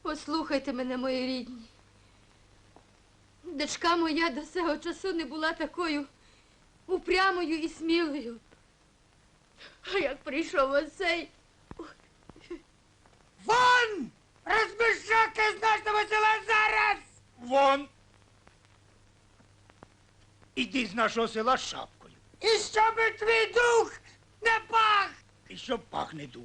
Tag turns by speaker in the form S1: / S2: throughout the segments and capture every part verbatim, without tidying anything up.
S1: Послухайте мене, мої рідні. Дочка моя до цього часу не була такою упрямою і смілою. А як прийшов оцей...
S2: Вон! Розбишаки з нашого села зараз!
S3: Вон! Іди з нашого села з шапкою.
S2: І щоб твій дух не пах!
S3: І щоб пахне дух.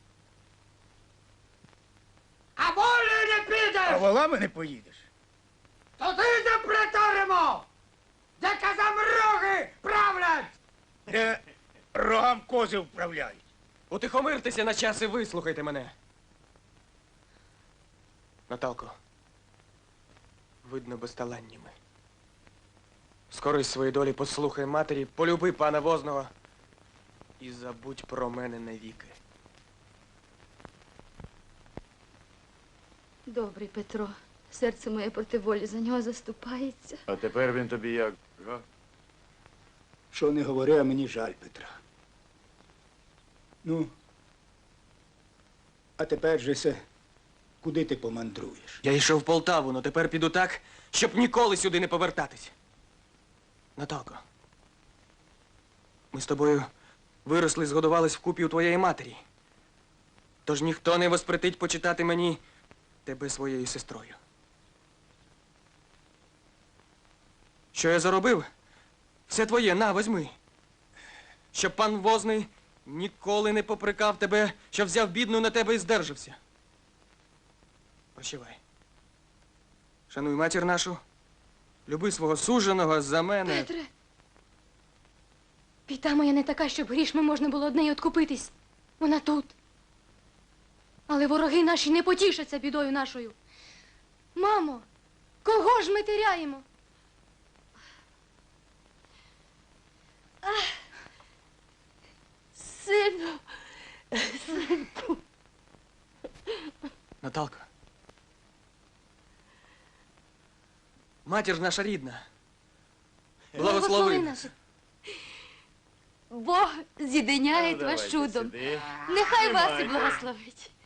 S2: А волею не
S3: А
S2: підеш!
S3: волами не поїдеш.
S2: Туди заприторимо! Де казам роги правлять!
S3: Де рогам кози вправляють.
S4: Утихомиртеся на час і вислухайте мене. Наталко, видно безталанні ми. Скорись своїй долі послухай матері, полюби пана Возного і забудь про мене навіки.
S1: Добрий Петро, серце моє проти волі за нього заступається.
S5: А тепер він тобі як, га?
S3: Що не говори, а мені жаль Петра. Ну, а тепер же се, куди ти помандруєш?
S4: Я йшов в Полтаву, но тепер піду так, щоб ніколи сюди не повертатись. Наталко, ми з тобою виросли, згодувались вкупі у твоєї матері. Тож ніхто не воспретить почитати мені тебе своєю сестрою. Що я заробив? Все твоє, на, возьми. Щоб пан Возний ніколи не попрекав тебе, що взяв бідну на тебе і здержався. Прощавай. Шануй матір нашу, люби свого суженого за мене.
S1: Петре, піта моя не така, щоб грішми можна було од неї откупитись. Вона тут. Але вороги наші не потішаться бідою нашою. Мамо, кого ж ми теряємо? Ах, сину, синку.
S4: Наталка. Матір наша рідна. Благослови нас.
S1: Бог з'єдиняє
S5: Ну,
S1: вас
S5: давайте
S1: чудом.
S5: сюди.
S1: Нехай вас і
S5: Тримайте.
S1: благословить.